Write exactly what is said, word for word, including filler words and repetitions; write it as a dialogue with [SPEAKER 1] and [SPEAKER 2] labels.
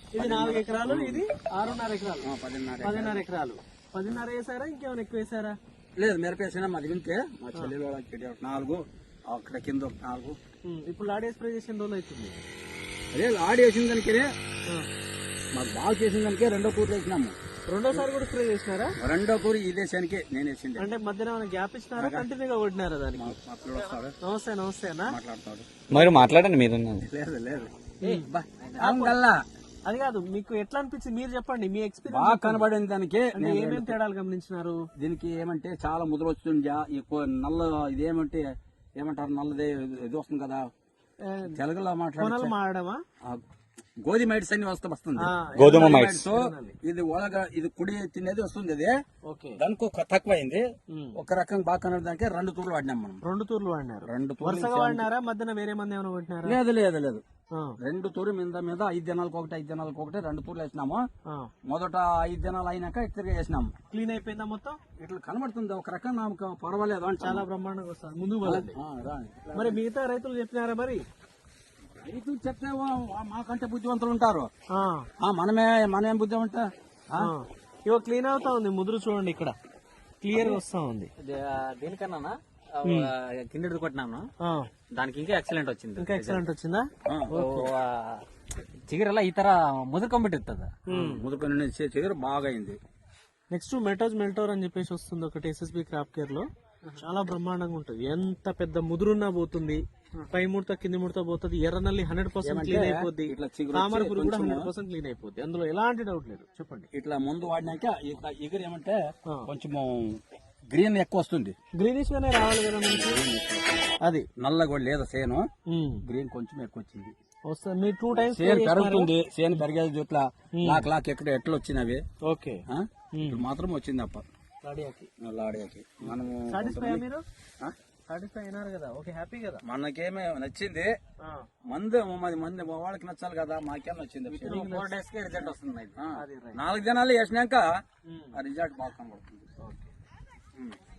[SPEAKER 1] ఇది నాలుగు ఎకరాలు, ఇది ఆరున్నర ఎకరాలు, పదిన్నర పదిన్నర ఎకరాలు. పదిన్నర వేసారా ఇంకేమైనా ఎక్కువ వేసారా?
[SPEAKER 2] లేదు మిరపేసినా మాది వింటే మా చెల్లెలు నాలుగు, అక్కడ కింద ఒక నాలుగు.
[SPEAKER 1] ఇప్పుడు లాడే స్ప్రే చేసిన రోజులు అవుతుంది.
[SPEAKER 2] అదే లాడి వేసిన దానికే మాకు బాగా చేసిన దానికే రెండో కూరలు వేసినాము.
[SPEAKER 1] రెండోసారి కూడా స్ప్రే చేసినారా?
[SPEAKER 2] రెండో కూర ఈ దేశానికే నేను వేసింది.
[SPEAKER 1] అంటే మధ్యన గ్యాప్ ఇచ్చినారా, కంటిన్యూగా కొట్టినారా దానికి? నమస్తే నమస్తే అన్న.
[SPEAKER 2] మాట్లాడతాడు
[SPEAKER 3] మరి మాట్లాడండి మీరు.
[SPEAKER 2] లేదు లేదు
[SPEAKER 1] అది కాదు, మీకు ఎట్లా అనిపించింది మీరు చెప్పండి, మీ ఎక్స్పీరియన్స్.
[SPEAKER 2] బాగా కనబడిన దానికి
[SPEAKER 1] ఏమేమి తేడాలు గమనించినారు?
[SPEAKER 2] దీనికి ఏమంటే చాలా ముద్ర వస్తుంది, ఎక్కువ నల్ల ఇదేమంటే ఏమంటారు నల్లదే ఇది వస్తుంది కదా తెలుగులో మాట్లాడాలి.
[SPEAKER 1] మాడమా
[SPEAKER 2] గోధుమ మైట్స్ అన్ని వస్తూ వస్తుంది.
[SPEAKER 3] గోధుమ మైట్స్
[SPEAKER 2] ఇది ఒలగా ఇది కుడి తినేది వస్తుంది. అది దానికి ఒక తక్కువైంది. ఒక రకంగా బాగా కనడానికి రెండు తూర్లు వాడినాం మనం.
[SPEAKER 1] రెండు తూర్లు వాడినారు.
[SPEAKER 2] రెండు
[SPEAKER 1] వరుసగా వాడినారా? మధ్యన వేరే మంది ఏమైనా కొట్టినారా?
[SPEAKER 2] లేదు లేదు లేదు రెండు తూరు మీద మీద ఐదు దినాలకు ఒకటి ఐదు దినాలకు ఒకటి రెండు తూర్లు వేసినాము. మొదట ఐదు దినాలు అయినాక ఇద్దరు వేసినాము.
[SPEAKER 1] క్లీన్ అయిపోయిందా మొత్తం? ఇట్లా
[SPEAKER 2] కనబడుతుంది ఒక రకంగా నాకు పర్వాలేదు అని
[SPEAKER 1] చాలా బ్రహ్మాండంగా వస్తుంది. ముందుకు వెళ్ళండి. మరి మిగతా రైతులు చెప్పినారా? మరి
[SPEAKER 2] రైతులు చెప్తే మాకంటే బుద్ధివంతులు ఉంటారు. మనమే మనమేం బుద్ధి ఉంటా.
[SPEAKER 1] ఇవో క్లీన్ అవుతా ఉంది, ముదురు చూడండి ఇక్కడ క్లియర్ గా వస్తా ఉంది.
[SPEAKER 4] దీనికన్నా కిందటి కొట్టినాను, దానికి ఇంకా ఎక్సలెంట్ వచ్చింది.
[SPEAKER 1] ఇంకా ఎక్సలెంట్ వచ్చిందా?
[SPEAKER 4] చిగురలా ఈ తర ముదురుకొంబెట్టిస్తుంది.
[SPEAKER 2] ముదురుకొని చిగురు బాగా అయింది.
[SPEAKER 1] నెక్స్ట్ మెటోజ్ మెల్టోర్ అని చెప్పేసి వస్తుంది ఒకటి ఎస్ఎస్బి క్రాప్ కేర్ లో. చాలా బ్రహ్మాండంగా ఉంటుంది. ఎంత పెద్ద ముదురున్నా పోతుంది, పై ముడత కింది ముడత పోతుంది. ఎర్రనల్లి హండ్రెడ్ పర్సెంట్ క్లీన్ అయిపోద్ది, తామర పురుగు కూడా హండ్రెడ్ పర్సెంట్ క్లీన్ అయిపోద్ది. అందులో ఎలాంటి డౌట్ లేదు. చెప్పండి.
[SPEAKER 2] ఇట్లా ముందు వాడినాక ఇట్లా ఎగురు ఏమంటే కొంచెం గ్రీన్ ఎక్కువ వస్తుంది.
[SPEAKER 1] గ్రీనిష్ గానే రావాలి కదా మనకి. అది
[SPEAKER 2] నల్ల కూడా లేదా సేను, గ్రీన్ కొంచెం ఎక్కువ వచ్చింది.
[SPEAKER 1] వస్తుంది. మీరు టూ టైమ్స్
[SPEAKER 2] సేను పెరుగుతుంది. సేను పెరిగేది ఇట్లా లాక్ లాక్ ఎక్కడ ఎట్లా వచ్చినవి.
[SPEAKER 1] ఓకే
[SPEAKER 2] మాత్రం వచ్చింది అప్ప
[SPEAKER 1] లాడియాకి.
[SPEAKER 2] లాడియాకి మనము
[SPEAKER 1] సాటిస్ఫై మీరు సాటిస్ఫై అయినారు కదా? ఓకే, హ్యాపీ కదా?
[SPEAKER 2] మనకేమే నచ్చింది. మంది మంది మంది వాళ్ళకి నచ్చాలి కదా, మాకేం నచ్చింది.
[SPEAKER 4] ఫోర్ డేస్ కి రిజల్ట్ వస్తుంది.
[SPEAKER 2] నాలుగు దినాలు వేసినాక ఆ రిజల్ట్ బాగా కనబడుతుంది.